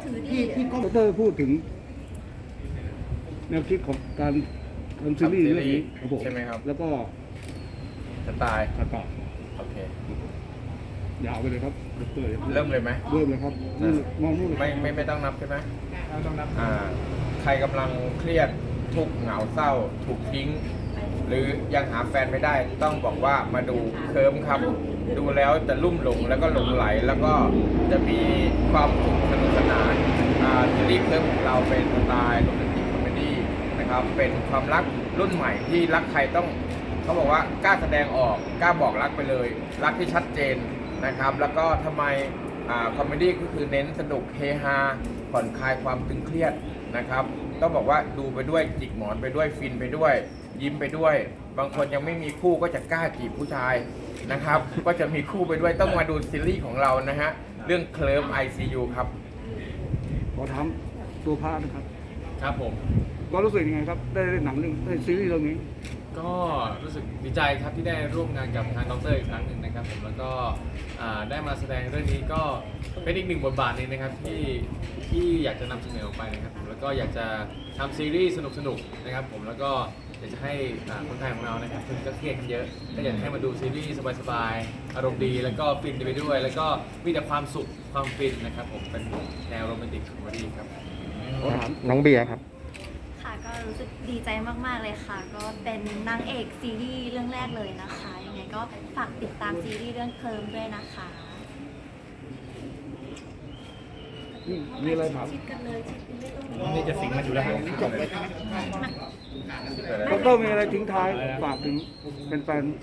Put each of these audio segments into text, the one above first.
ที่ดรพูดถึงแนวคิดของการทำซีรีส์เรื่องนี้ครับผมใช่ไหมครับแล้วก็สไตล์ตัดต่อโอเคยาวไปเลยครับดรเริ่มเลยไหมเริ่มเลยครับนู่นมองนู่นเลยไม่ต้องนับใช่ไหมต้องนับใครกำลังเครียดทุกข์เหงาเศร้า ถูกทิ้ง หรือยังหาแฟนไม่ได้ ต้องบอกว่ามาดูเคิร์มครับ ดูแล้วจะลุ่มหลงแล้วก็หลงไหล แล้วก็จะมีความสุขสนุกสนานซีรีส์เคิร์มของเราเป็นสไตล์โรแมนติกคอมเมดี้นะครับ เป็นความรักรุ่นใหม่ที่รักใครต้องเขาบอกว่ากล้าแสดงออกกล้าบอกรักไปเลย รักที่ชัดเจนนะครับ แล้วก็ทำไมคอมเมดี้ก็คือเน้นสนุกเฮฮาผ่อนคลายความตึงเครียดนะครับต้องบอกว่าดูไปด้วยจิกหมอนไปด้วยฟินไปด้วยยิ้มไปด้วย บางคนยังไม่มีคู่ก็จะกล้าจีบผู้ชายนะครับ ก็จะมีคู่ไปด้วยต้องมาดูซีรีส์ของเรานะฮะเรื่องเคลิ้ม ICU ครับขอถามตัวพระนะครับครับผมก็รู้สึกยังไงครับได้เล่นหนังเรื่องได้ซีรีส์เรื่องนี้ก็รู้สึกดีใจครับที่ได้ร่วมงานกับทางดรอีกครั้งหนึ่งนะครับผมแล้วก็ได้มาแสดงเรื่องนี้ก็เป็นอีกหนึ่งบทบาทหนึงนะครับที่อยากจะนำเสนอออกไปนะครับผมแล้วก็อยากจะทำซีรีส์สนุกๆนะครับผมแล้วก็อยากจะให้คนไทยของเรานะครับซึ่งก็เครียดกันเยอะก็อยากให้มาดูซีรีส์สบายๆอารมณ์ดีแล้วก็ฟินไปด้วย แล้วก็มีแต่ความสุขความฟินนะครับผมเป็นแนวโรแมนติกคอมเมดี้ครับขอถามน้องเบียร์ครับค่ะก็รู้สึกดีใจมากๆเลยค่ะ ก็เป็นนางเอกซีรีส์เรื่องแรกเลยนะคะยังไงก็ฝากติดตามซีรีส์เรื่องเคิร์มด้วยนะคะมีอะไรถามชิดกันเลยชิดกันไม่ต้องนี่จะสิงมันอยู่แล้วจบเลยดรมีอะไรทิ้งท้ายฝากถึงเป็นแฟน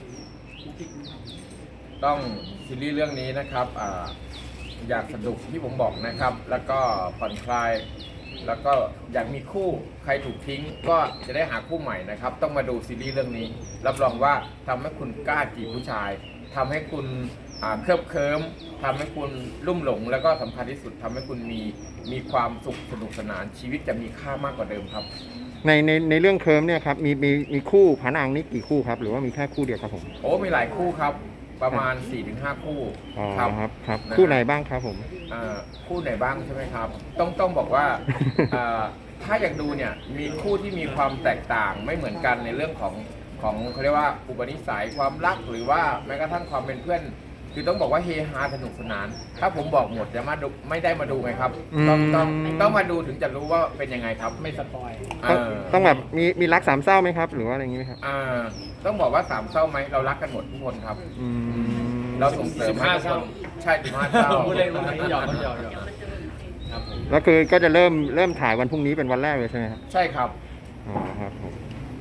ต้องซีรีส์เรื่องนี้นะครับอยากสนุกที่ผมบอกนะครับ แล้วก็ผ่อนคลาย แล้วก็อยากมีคู่ใครถูกทิ้งก็จะได้หาคู่ใหม่นะครับ ต้องมาดูซีรีส์เรื่องนี้ รับรองว่าทำให้คุณกล้าจีบผู้ชายทำให้คุณเคลิบเคลิ้มทำให้คุณลุ่มหลง แล้วก็สำคัญที่สุดทำให้คุณมีความสุขสนุกสนานชีวิตจะมีค่ามากกว่าเดิมครับในเรื่องเคิร์มเนี่ยครับมีคู่ผานางนี่กี่คู่ครับหรือว่ามีแค่คู่เดียวครับผมโอ้มีหลายคู่ครับประมาณ 4-5 คู่อ๋อครับครับนะคู่ไหนบ้างครับผมคู่ไหนบ้างใช่ไหมครับ ต้องบอกว่าถ้าอยากดูเนี่ยมีคู่ที่มีความแตกต่างไม่เหมือนกันในเรื่องของเขาเรียกว่าอุปนิสัยความรักหรือว่าแม้กระทั่งความเป็นเพื่อน คือต้องบอกว่าเฮฮาสนุกสนาน ถ้าผมบอกหมดจะมาดูไม่ได้มาดูไงครับ ต้องมาดูถึงจะรู้ว่าเป็นยังไงครับไม่สปอยต้องแบบมีรักสามเศร้าไหมครับ หรือว่าอะไรอย่างงี้ไหมครับต้องบอกว่า3เศร้าไหมเรารักกันหมดทุกคนครับอืมเราส่งเสริมให้ทุกคนใช่15เศร้าพูดเล่นหยอกครับผมแล้วคือก็จะเริ่มถ่ายวันพรุ่งนี้เป็นวันแรกเลยใช่ไหมครับใช่ครับอ๋อครับผม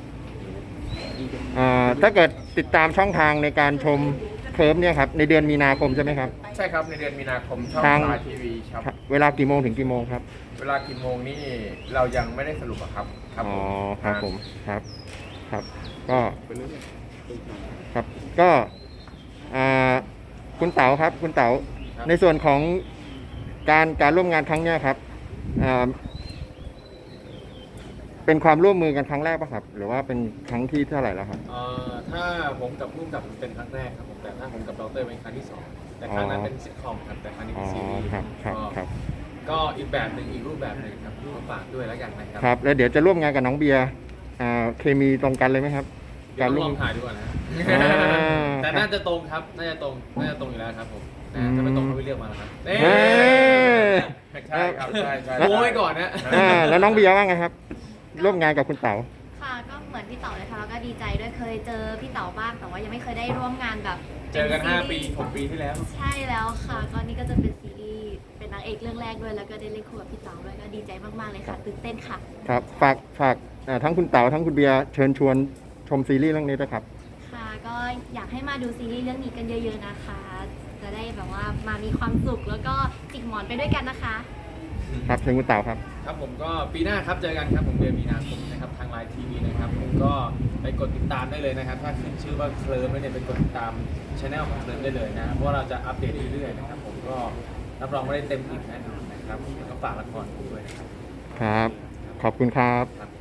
ถ้าเกิดติดตามช่องทางในการชมเคิร์มเนี่ยครับในเดือนมีนาคมใช่ไหมครับใช่ครับในเดือนมีนาคมช่องทางสตาร์ทีวีครับเวลากี่โมงถึงกี่โมงครับเวลากี่โมงนี่เรายังไม่ได้สรุปอะครับอ๋อครับผมครับก็ไปเรื่อยครับก็คุณเต๋าครับคุณเต๋าในส่วนของการร่วมงานครั้งเนี้ยครับเป็นความร่วมมือกันครั้งแรกป่ะครับ หรือว่าเป็นครั้งที่เท่าไหร่แล้วครับถ้าผมกับพุ่มกับเป็นครั้งแรกครับผมแต่ถ้าผมกับดรเป็นครั้งที่สองแต่ครั้งนั้นเป็นซิทคอมครับแต่ครั้งนี้อ๋เป็อนซีรีส์ครับก็อีกแบบหนึ่งอีกรูปแบบหนึ่งครับมาฝากด้วยแล้วกันนะครับครับแล้วเดี๋ยวจะร่วมงานกับน้องเบียร์เคมีตรงกันเลยไหมครับเดี๋ยวลร่วอมงถ่ายดูก่อนนะ แต่ครับน่าจะตรงครับน่าจะตรงอยู่แล้วครับผมถ้าไม่ตรงเขาไม่เลือกมาแล้วครับเฮ้ยใช่ครับใช่ใช่โม้ไว้ก่อนนะแล้วน้องเบียร์ว่าไงครับ ร่วมงานกับคุณเต๋าค่ะก็เหมือนพี่เต๋าเลยค่ะแล้วก็ดีใจด้วยเคยเจอพี่เต๋าบ้างแต่ว่ายังไม่เคยได้ร่วมงานแบบเจอกันซีรีส์ 5 ปี 6 ปีที่แล้วใช่แล้วค่ะก็นี่ก็จะเป็นซีรีส์เป็นนางเอกเรื่องแรกด้วยแล้วก็ได้เล่นคู่กับพี่เต๋าด้วยก็ดีใจมากๆเลยค่ะตื่นเต้นค่ะครับฝากทั้งคุณเต๋าทั้งคุณเบียร์เชิญชวนชมซีรีส์เรื่องนี้ด้วยครับค่ะก็อยากให้มาดูซีรีส์เรื่องนี้กันเยอะๆนะคะ จะได้แบบว่ามามีความสุขแล้วก็จิกหมอนไปด้วยกันนะคะครับเชิญคุณเต๋าครับครับผมก็ปีหน้าครับเจอกันครับผมเดือนมีนาคมนะครับทางไลน์ทีวีนะครับผมก็ไปกดติดตามได้เลยนะครับ ถ้าขึ้นชื่อว่าเคลิ้มแล้วเนี่ยไปกดติดตามช anel ของเคลิ้มได้เลยนะเพราะว่าเราจะอัปเดตเรื่อยๆนะครับผมก็รับรองว่าได้เต็มอิ่มแน่นอนนะครับแล้วก็ฝากละครผมด้วยนะครับครับ ขอบคุณครับครับ